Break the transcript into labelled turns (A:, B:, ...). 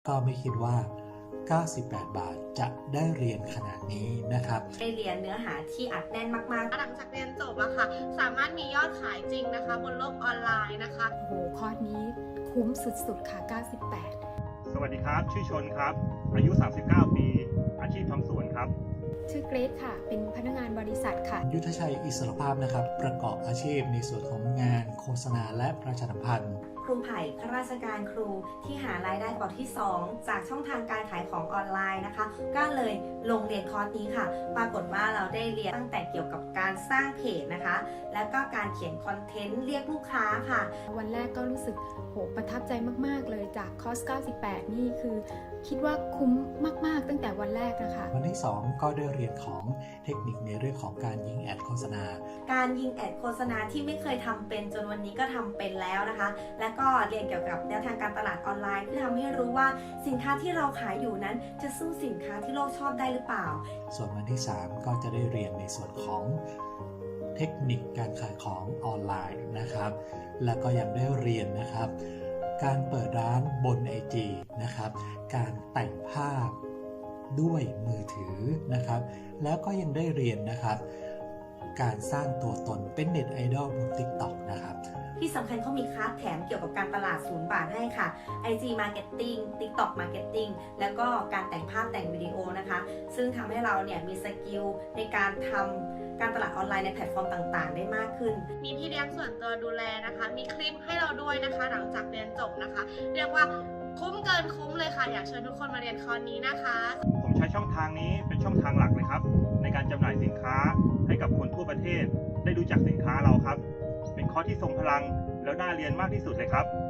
A: ก็ไม่คิดว่า 98 บาทจะได้เรียนขนาดนี้นะครับ
B: ได้เรียนเนื้อหาที่อัดแน่นมากๆ
C: หลังจากเรียนจบอะค่ะสามารถมียอดขายจริงนะคะบนโลกออนไลน์นะคะ
D: โอ้โหคอร์สนี้คุ้มสุดๆค่ะ98
E: สวัสดีครับชื่อชนครับอายุ39ปีอาชีพทำสวนครับ
D: ชื่อเกรซค่ะเป็นพนักงานบริษัทค่ะ
A: ยุทธชัยอิสรภาพนะครับประกอบอาชีพในส่วนของงานโฆษณาและประชาสัมพันธ์
B: ครูไผ่ข้าราชการครูที่หารายได้เป๋าที่ 2 จากช่องทางการขายของออนไลน์นะคะก็เลยลงเรียนคอร์สนี้ค่ะปรากฏว่าเราได้เรียนตั้งแต่เกี่ยวกับการสร้างเพจนะคะแล้วก็การเขียนคอนเทนต์เรียกลูกค้าค่ะ
D: วันแรกก็รู้สึกโหประทับใจมากๆเลยจากคอร์ส98นี่คือคิดว่าคุ้มมากๆตั้งแต่วันแรกนะคะ
A: วันที่ 2 ก็ได้เรียนของเทคนิคในเรื่องของการยิงแอดโฆษณา
B: การยิงแอดโฆษณาที่ไม่เคยทำเป็นจนวันนี้ก็ทำเป็นแล้วนะคะและก็เรียนเกี่ยวกับแนวทางการตลาดออนไลน์ที่ทำให้รู้ว่าสินค้าที่เราขายอยู่นั้นจะสู้สินค้าที่โลกชอบได้หรือเปล่า
A: ส่วนวันที่ 3 ก็จะได้เรียนในส่วนของเทคนิคการขายของออนไลน์นะครับแล้วก็ยังได้เรียนนะครับการเปิดร้านบน IG นะครับการแต่งภาพด้วยมือถือนะครับแล้วก็ยังได้เรียนนะครับการสร้างตัวตนเป็นเน็ตไอดอลบน TikTok นะครับ
B: ที่สำคัญเขามีคลาสแถมเกี่ยวกับการตลาด0 บาทให้ค่ะ IG Marketing TikTok Marketing แล้วก็การแต่งภาพแต่งวิดีโอนะคะซึ่งทำให้เราเนี่ยมีสกิลในการทำการตลาดออนไลน์ในแพลตฟอร์มต่างๆได้มากขึ้น
C: มีพี่เลี้ยงส่วนตัวดูแลนะคะมีคลิปให้เราด้วยนะคะหลังจากเรียนจบนะคะเรียกว่าคุ้มเกินคุ้มเลยค่ะอยากเชิญทุกคนมาเรียนคอร์สนี้นะคะ
E: ผมใช้ช่องทางนี้เป็นช่องทางหลักเลยครับในการจำหน่ายสินค้าให้กับคนทั่วประเทศได้รู้จักสินค้าเราครับเป็นคอร์สที่ทรงพลังแล้วน่าเรียนมากที่สุดเลยครับ